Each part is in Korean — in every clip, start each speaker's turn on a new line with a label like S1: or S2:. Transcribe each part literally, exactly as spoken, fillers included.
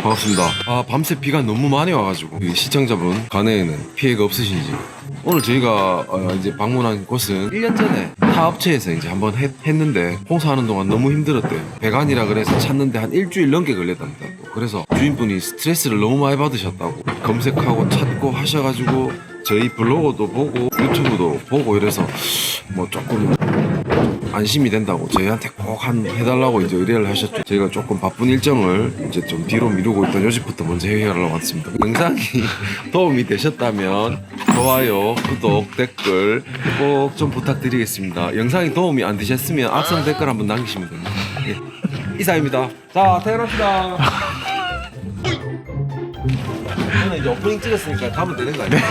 S1: 반갑습니다. 아, 밤새 비가 너무 많이 와가지고 시청자분 간에는 피해가 없으신지. 오늘 저희가 어, 이제 방문한 곳은 일 년 전에 타 업체에서 이제 한번 했, 했는데 공사하는 동안 너무 힘들었대요. 배관이라 그래서 찾는데 한 일주일 넘게 걸렸답니다. 그래서 주인분이 스트레스를 너무 많이 받으셨다고 검색하고 찾고 하셔가지고 저희 블로그도 보고 유튜브도 보고 이래서 뭐 조금 안심이 된다고 저희한테 꼭 한 해달라고 이제 의뢰를 하셨죠. 저희가 조금 바쁜 일정을 이제 좀 뒤로 미루고 있던 요즘부터 먼저 해결하러 왔습니다. 영상이 도움이 되셨다면 좋아요, 구독, 댓글 꼭 좀 부탁드리겠습니다. 영상이 도움이 안 되셨으면 악성 댓글 한번 남기시면 됩니다. 예. 이사입니다. 자, 퇴근합시다. 저는 이제 오프닝 찍었으니까 가면 되는 거 아니에요?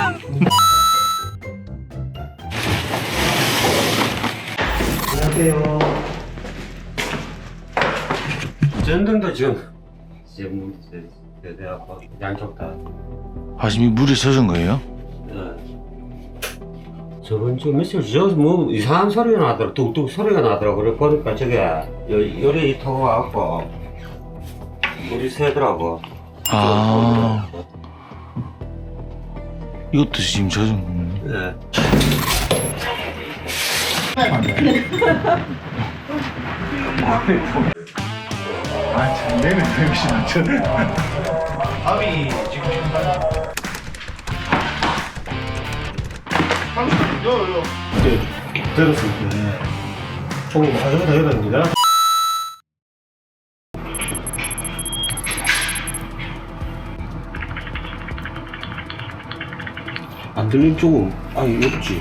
S2: 안녕하세요. 전등도 지금 지금 대대하고 양쪽 다.
S3: 아, 지금 물에 젖은 거예요?
S2: 저번 주 며칠 저뭐 이상한 소리가 나더라. 뚝뚝 소리가 나더라고. 그래 보니까 저게 요, 요리 타고 와갖고 물이 새더라고.
S3: 아, 이것도 지금 젖은 거예요?
S2: 네.
S4: 아, 잘 되네, 역시 맞죠? 밥이 지금 요, 요.
S2: 네, 들었을 때 조금 가져다 이러는데 안 들린 쪽은 아니 없지.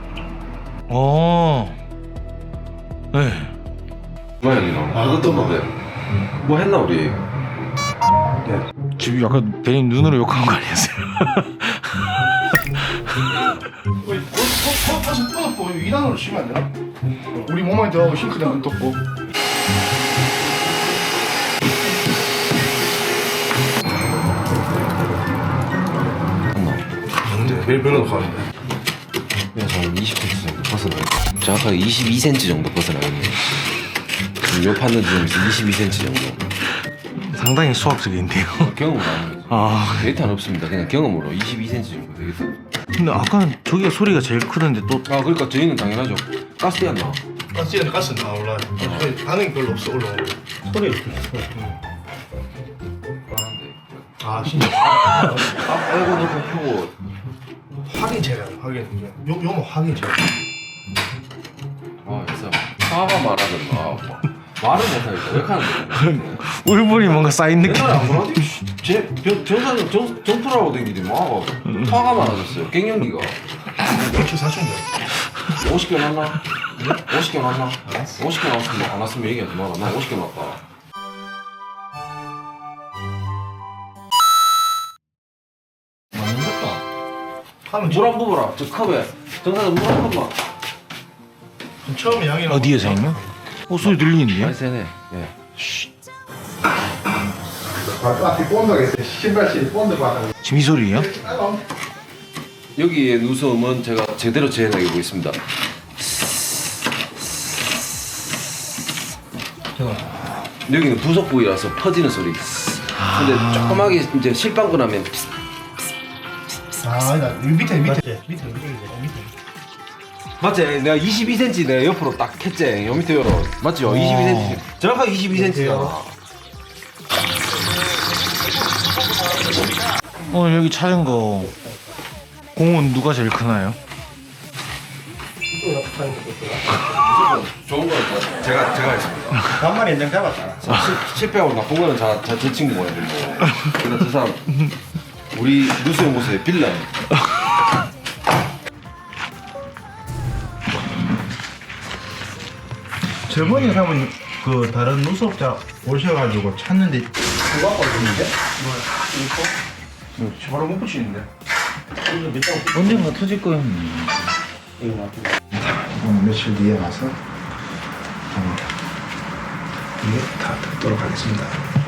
S3: 어, 네.
S1: 고양이랑 아, 어떤 건데? 뭐 했나 우리?
S3: 지금 약간 대님 눈으로 욕한 거 아니었어요?
S4: 우리 가서 떠놓고 이 단으로 치면 안 되나? 우리 몸에 들어가고 싱크대 안 떴고.
S1: 근데 제일 별로 가는데. 그래서 한 이십 센티미터 정도 벗어나요. 정확하게 이십이 센티미터 정도 벗어나겠네. 요 판는 지점에서 이십이 센티미터 정도.
S3: 상당히 수학적인데요.
S1: 경험으로 하는 거죠.
S3: 아,
S1: 데이터는 없습니다. 그냥 경험으로 이십이 센티미터 정도 되겠다.
S3: 근데 아까는 저기가 소리가 제일 크던데 또
S1: 아, 그러니까 저희는 당연하죠. 가스비 안 나와.
S4: 가스는 가스는 다 올라요. 반응이 별로 없어, 올라오고.
S2: 소리 없지.
S4: 아, 진짜.
S1: 아, 빼고 넣고 펴고.
S4: 확인 제가 확인. 요, 요모 확인 제가.
S1: 아, 그래서 화가 말하던가. 말을 못하니까 왜 하는 거야?
S3: 울분이 뭔가 쌓인 느낌.
S1: 옛날에 안 그러지? 제 정사님 정 정프라고 댕기지 뭐 화가 많아졌어요. 갱년기가.
S4: 이렇게 사춘기.
S1: 오십 개 났나? 오십 개 났나? 오십 개 났으면 안 왔으면 얘기하지 마라. 나 오십 개 났다. 맞는다.
S4: 하면
S1: 물한 부어라. 저 컵에 정사님 물한 번만.
S4: 처음에 양이랑.
S3: 어디에서 있나? 어, 소리 들리는데요?
S1: 많이 세네. 예.
S4: 앞에 본드가 있어요. 신발실에 본드가 하나.
S3: 지금 이 소리예요?
S1: 여기의 누수음은 제가 제대로 재현하고 있습니다. 여기는 부속 부위라서 퍼지는 소리. 근데 조그맣게 이제 실방구 나면
S4: 아, 아니다. 여기 밑에 밑에 밑에 밑에 밑에.
S1: 맞지? 내가 이십이 센티미터 내가 옆으로 딱 했지. 요 밑에 열어. 맞죠? 이십이 센티미터. 정확하게 이십이 센티미터잖아.
S3: 오늘 여기 찾은 거 공은 누가 제일 크나요?
S1: 좋은 거는 제가 제가 했습니다.
S4: 간만에 인장 잡았잖아.
S1: 실- 실패하고 나쁜 거는 자, 자, 제 친구 보내들고. 근데 저 사람 우리 누수 연구소의 빌런.
S4: 저번에 가면 그 다른 누수업자 오셔가지고 찾는데 그거 갖고 왔는데? 뭐 이거? 이거 바로 못 붙이는데.
S3: 언젠가 터질 거예요.
S4: 오늘 며칠 뒤에 와서 음, 이게 다 듣도록 하겠습니다.